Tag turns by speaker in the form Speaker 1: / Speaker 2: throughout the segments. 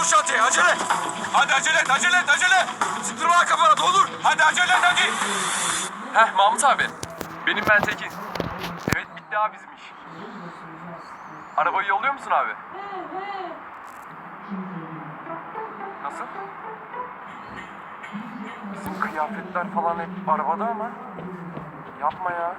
Speaker 1: şantiye acele.
Speaker 2: Hadi acele et, acele et, acele.
Speaker 1: Sıktırma lan kafana doldur.
Speaker 2: Hadi acele et, hadi.
Speaker 3: Heh Mahmut abi. Benim ben Tekin. Evet bitti abi bizim iş. Arabayı yolluyor musun abi? Nasıl? Bizim kıyafetler falan hep arabada ama. Yapma ya.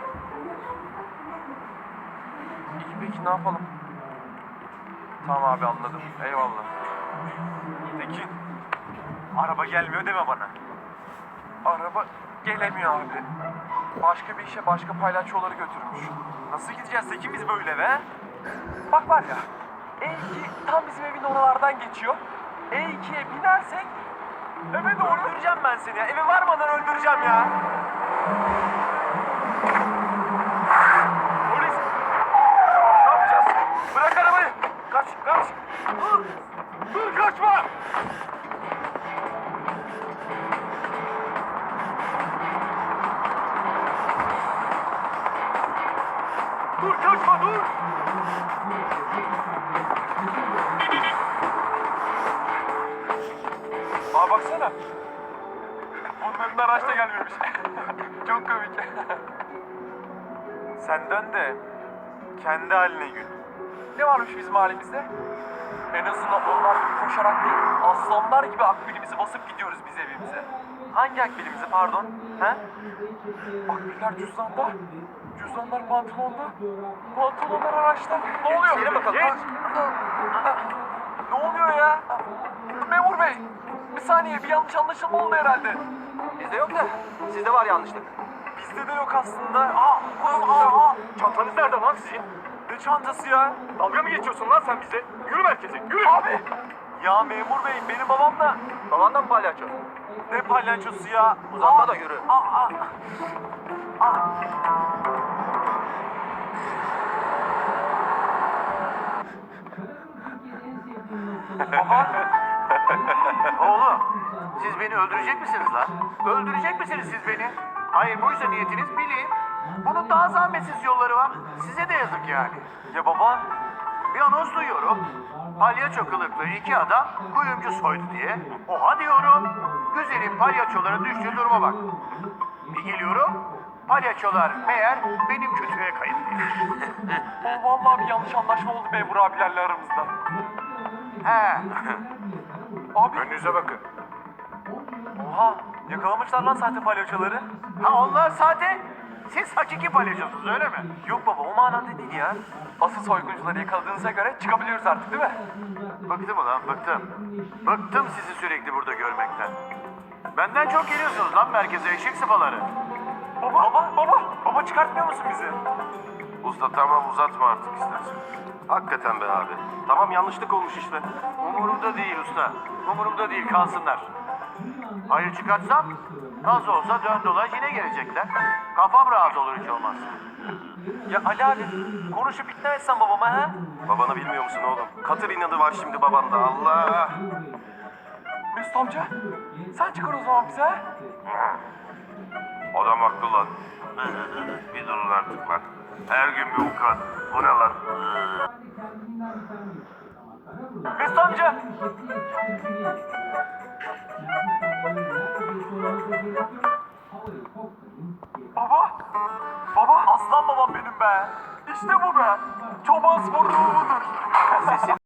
Speaker 3: İyi peki ne yapalım? Tamam abi anladım. Eyvallah.
Speaker 2: Tekin, araba gelmiyor deme bana.
Speaker 3: Araba gelemiyor abi. Başka bir işe başka palyaçoları götürmüş.
Speaker 2: Nasıl gideceğiz Tekin biz böyle be?
Speaker 3: Bak var ya, E2 tam bizim evin oralardan geçiyor. E2'ye binersek eve doğru...
Speaker 2: Öldüreceğim ben seni ya. Eve varmadan öldüreceğim ya. Polis. Ne yapacağız? Bırak arabayı. Kaç, kaç. Dur. Dur, kaçma. Dur, kaçma, dur.
Speaker 3: Aa baksana. Bunların araç da gelmemiş. Çok komik.
Speaker 2: Sen dön de kendi haline gül.
Speaker 3: Ne varmış bizim halimizde? En azından onlar gibi koşarak değil, aslanlar gibi akbilimizi basıp gidiyoruz biz evimize.
Speaker 2: Hangi akbilimizi pardon? He?
Speaker 3: Akbiller cüzdanda, cüzdanlar pantolonda, pantolonlar araçta. Ne oluyor?
Speaker 2: İçeri bakalım.
Speaker 3: Geç. Ne oluyor ya? Memur bey, bir saniye bir yanlış anlaşılma oldu herhalde.
Speaker 2: Bizde yok da sizde var yanlışlık.
Speaker 3: Bizde de yok aslında.
Speaker 2: Çantanız nerede lan sizin? Ne çantası ya? Dalga mı geçiyorsun lan sen bize? Yürü merkeze, yürü!
Speaker 3: Abi,
Speaker 2: Ya memur bey, benim babam da... Baban da mı palyaço? Ne palyaçosu ya? Uzatma da yürü.
Speaker 4: Oğlum, siz beni öldürecek misiniz lan? Öldürecek misiniz siz beni? Hayır buysa niyetiniz bilin. Bunun daha zahmetsiz yolları var. Size de yazık yani.
Speaker 2: Ya baba?
Speaker 4: Bir anons duyuyorum. Palyaço kılıklı iki adam kuyumcu soydu diye. Oha diyorum. Güzelim palyaçoların düştüğü duruma bak. Bir geliyorum. Palyaçolar meğer benim kötüye kayıtlıymış.
Speaker 3: vallahi bir yanlış anlaşma oldu memur abilerle aramızda.
Speaker 4: He.
Speaker 3: Abi,
Speaker 4: Önünüze bakın.
Speaker 2: Oha! Yakalamışlar lan sahte palyaçoları.
Speaker 4: Ha onlar sahte. Siz hakiki palyaçosunuz öyle mi?
Speaker 2: Yok baba, o manada değil ya.
Speaker 3: asıl soyguncuları yakaladığınıza göre çıkabiliyoruz artık değil mi?
Speaker 4: Bıktım ulan bıktım. Bıktım sizi sürekli burada görmekten. Benden çok geliyorsunuz lan merkeze eşek sıfaları.
Speaker 2: Baba çıkartmıyor musun bizi?
Speaker 5: Usta tamam uzatma artık istersen. Hakikaten be abi. Tamam yanlışlık olmuş işte.
Speaker 4: Umurumda değil usta. Umurumda değil kalsınlar. Hayır çıkartsam nasıl olsa dön dolaş yine gelecekler. Kafam rahat olur hiç olmazsa.
Speaker 2: Ya Ali abi, konuşup ikna etsen babama ha?
Speaker 5: Babanı bilmiyor musun oğlum? Katır inadı var şimdi babanda Allah.
Speaker 3: Mesut amca, sen çıkar o zaman bize.
Speaker 5: Adam haklı lan. Bir durun artık lan. Her gün bir vukuat. Bu ne lan?
Speaker 2: Mesut amca!
Speaker 3: Baba, aslan babam benim be. İşte bu be. Çoban sporu budur.
Speaker 4: Sesini